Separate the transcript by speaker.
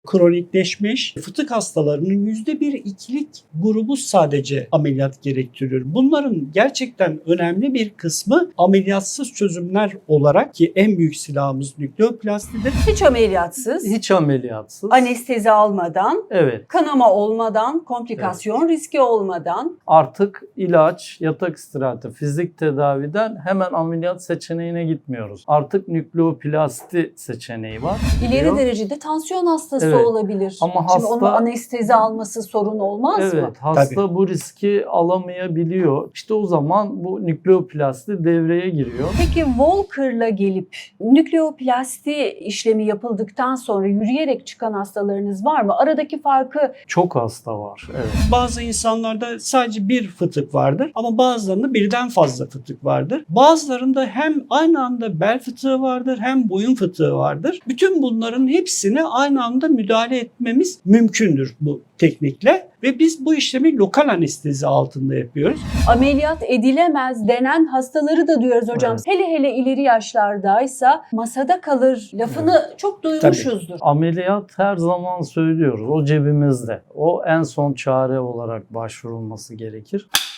Speaker 1: Kronikleşmiş fıtık hastalarının %1-2'lik grubu sadece ameliyat gerektiriyor. Bunların gerçekten önemli bir kısmı ameliyatsız çözümler olarak, ki en büyük silahımız nükleoplastidir.
Speaker 2: Hiç ameliyatsız,
Speaker 3: Hiç ameliyatsız.
Speaker 2: anestezi almadan,
Speaker 3: Evet.
Speaker 2: kanama olmadan, komplikasyon riski olmadan.
Speaker 3: Artık ilaç, yatak istirahati, fizik tedaviden hemen ameliyat seçeneğine gitmiyoruz. Artık nükleoplasti seçeneği var.
Speaker 2: İleri
Speaker 3: Diyor.
Speaker 2: derecede tansiyon hastası
Speaker 3: Evet.
Speaker 2: olabilir.
Speaker 3: Ama
Speaker 2: Şimdi
Speaker 3: hasta-
Speaker 2: onun anestezi alması sorun olmaz mı?
Speaker 3: Evet, hasta bu riski alamayabiliyor. İşte o zaman bu nükleoplasti devreye giriyor.
Speaker 2: Peki Walker'la gelip nükleoplasti işlemi yapıldıktan sonra yürüyerek çıkan hastalarınız var mı? Aradaki farkı
Speaker 3: Çok hasta var. Evet.
Speaker 1: Bazı insanlarda sadece bir fıtık vardır ama bazılarında birden fazla fıtık vardır. Bazılarında hem aynı anda bel fıtığı vardır hem boyun fıtığı vardır. Bütün bunların hepsine aynı anda müdahale etmemiz mümkündür bu teknikle ve biz bu işlemi lokal anestezi altında yapıyoruz.
Speaker 2: ameliyat edilemez denen hastaları da duyuyoruz hocam.
Speaker 3: Evet.
Speaker 2: Hele hele ileri yaşlardaysa masada kalır lafını çok duymuşuzdur.
Speaker 3: Ameliyat her zaman söylüyoruz. O cebimizde. O en son çare olarak başvurulması gerekir.